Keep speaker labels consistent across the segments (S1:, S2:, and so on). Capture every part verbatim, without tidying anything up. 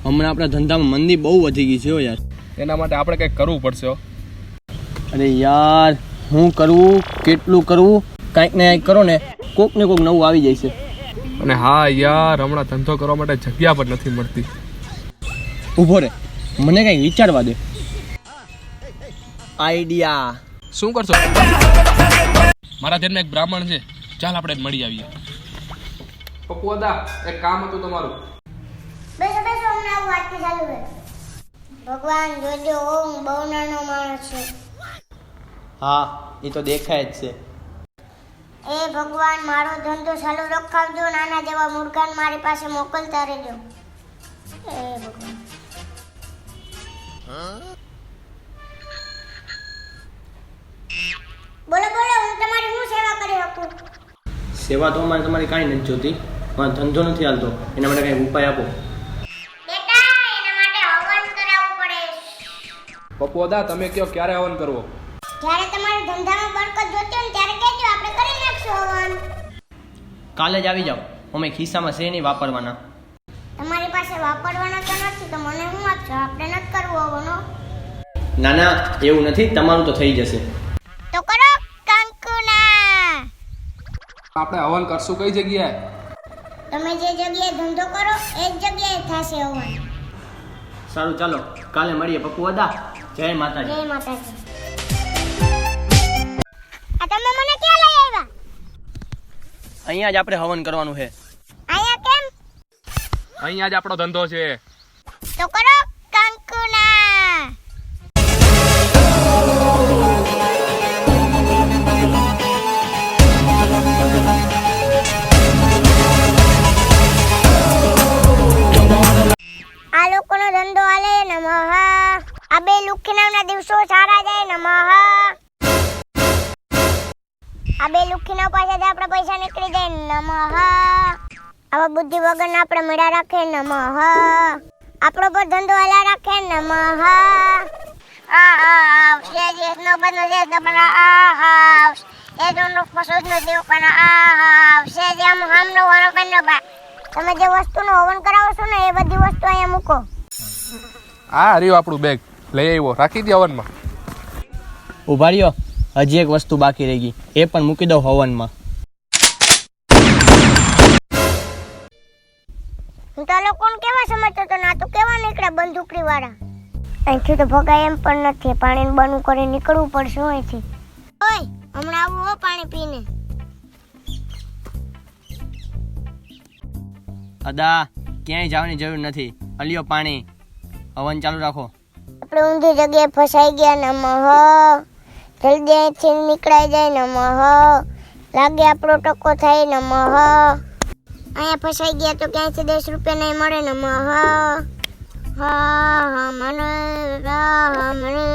S1: હમણાં આપણા ધંધામાં મંદી બહુ વધી ગઈ છે હો યાર.
S2: એના માટે આપણે કંઈક કરવું પડશે હો.
S1: અરે યાર હું કરવું, કેટલું કરવું, કાંઈક ને કાંઈક કરો ને કોક ને કોક નવું આવી જાય છે.
S2: અને હા યાર, હમણાં ધંધો કરવા માટે જગ્યા પણ નથી મળતી.
S1: ઊભો રે, મને કંઈક વિચારવા દે. આઈડિયા.
S2: શું કરશો? મારા ધ્યાનમાં એક બ્રાહ્મણ છે, ચાલ આપણે મળી આવીએ. પપ્પુ દાદા, એક કામ હતું તમારું.
S3: બેસો બેસો, હમણાં આવું વાતથી ચાલુ છે. ભગવાન જોજો, હું બહુ નાનો માણસ છું.
S1: હા એ તો દેખાય જ છે.
S3: એ ભગવાન, મારો ધંધો ચાલુ રખાવજો, નાના જેવા મુર્ગાન મારી પાસે મોકલતા રહેજો. એ ભગવાન. બોલો બોલો, હું તમારી શું સેવા કરી શકું?
S1: સેવા તો અમારે તમારી કાંઈ નથી જોતી, પણ ધંધો નથી હાલતો, એના માટે કંઈક ઉપાય આપો.
S3: બેટા, એના માટે હવન કરાવવું પડે.
S2: પપ્પુ દાદા, તમે કયો ક્યારે હવન કરવો?
S3: જ્યારે તમારા ધંધામાં બરકત જોતી હોય ને ત્યારે કહેજો, આપણે કરી નાખશું હવન.
S1: કાલે જ આવી જાઓ, અમે ખિસ્સામાં છે નહીં વાપરવાના.
S3: તમારી પાસે વાપરવાનો તો નથી તો મને શું આપશો? આપણે નથી કરવું હવનો.
S1: ના ના, એવું નથી, તમારું તો થઈ જશે.
S3: તો કરો કંકુના.
S2: આપણે હવન કરશું કઈ જગ્યાએ?
S3: તમે જે જગ્યાએ ધંધો કરો એ જ જગ્યાએ થશે હવન.
S1: સારું ચાલો, કાલે મળીએ પપ્પુ દાદા. જય માતાજી.
S3: જય માતાજી. આ તમે મને ક્યાં લઈ આવ્યા?
S1: અહીંયા જ આપણે હવન કરવાનું છે.
S3: અહીંયા કેમ?
S2: અહીંયા જ આપણો ધંધો છે.
S3: તો કરો કંકુના. આ લોકોનો ધંધો હાલે નમઃ. આ બે લુખીનાના દિવસો સારા જાય નમઃ. આ બે લુખીના પાસેથી આપણે પૈસા નીકળી જાય નમઃ. આવા બુદ્ધિ વગરના આપણે મેળા રાખે નમઃ. આપણો પર ધંધો હલા રાખે નમઃ. આ આ શેજી નો બંધ છે તમારા આ આ એ જોનો પસોદ નો દેવ પણ આ આ શેજી આમ હામનો વાળો કનો બા. તમે જે વસ્તુનો હવન કરાવો છો ને એ બધી વસ્તુ અહીંયા મૂકો.
S2: આ રહ્યું આપણું બેગ, લઈ આવ્યો, રાખી દે હવનમાં.
S1: ઉભા રહ્યો, હજી એક વસ્તુ બાકી રહી ગઈ, એ પણ મૂકી દઉં હવનમાં.
S3: હું તો લોકોને કેવા સમજતો તો ના તો કેવા નીકળ્યા બંદૂકડી વાળા. અહીંથી તો ભગાય એમ પણ નથી, પાણીને બનું કરી નીકળવું પડશે અહીંથી. ઓય હમણાં આવું હો પાણી પીને.
S1: અદા ક્યાંય જવાની જરૂર નથી, અલિયો પાણી. હવન ચાલુ રાખો.
S3: આપણે ઊંધી જગ્યાએ ફસાઈ ગયા નમઃ. જલ્દી અહીંથી નીકળાઈ જાય નમઃ. લાગે આપણો ટકો થાય નમઃ. અહીંયા ફસાઈ ગયા તો ક્યાંયથી દસ રૂપિયા નહીં મળે નમઃ. હા હા મને હા મને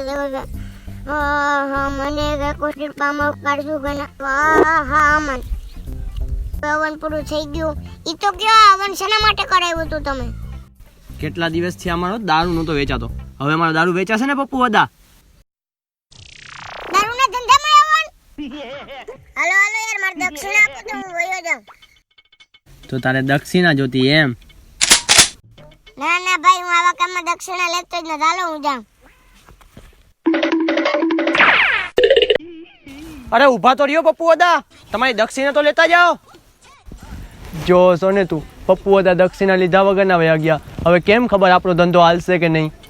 S3: હા હા મને કોશિશ પામો કાઢશું કે હા હા મને હવન પૂરું થઈ ગયું. ઈ તો કયો હવન શેના માટે કરાવ્યું હતું તમે?
S1: કેટલા દિવસથી અમારો દારૂ નહોતો વેચાતો, હવે અમારો દારૂ વેચાશે ને પપ્પુ દાદા.
S3: દારૂના ધંધામાં હવન? હાલો હાલો યાર, મારે દક્ષિણા આપો તો હું વયો જાઉં.
S1: તો તારે દક્ષિણા જોતી એમ?
S3: ના ના ભાઈ, હું આવા કામમાં દક્ષિણા લેતો જ નથી. હાલો હું જાઉં.
S1: અરે ઊભા તો રહ્યો પપ્પુ દાદા, તમારી દક્ષિણા તો લેતા જાઓ. જો સોને તું, પપ્પુ દાદા દક્ષિણા લીધા વગર ના વયા ગયા. હવે કેમ ખબર આપણો ધંધો હાલશે કે નહીં?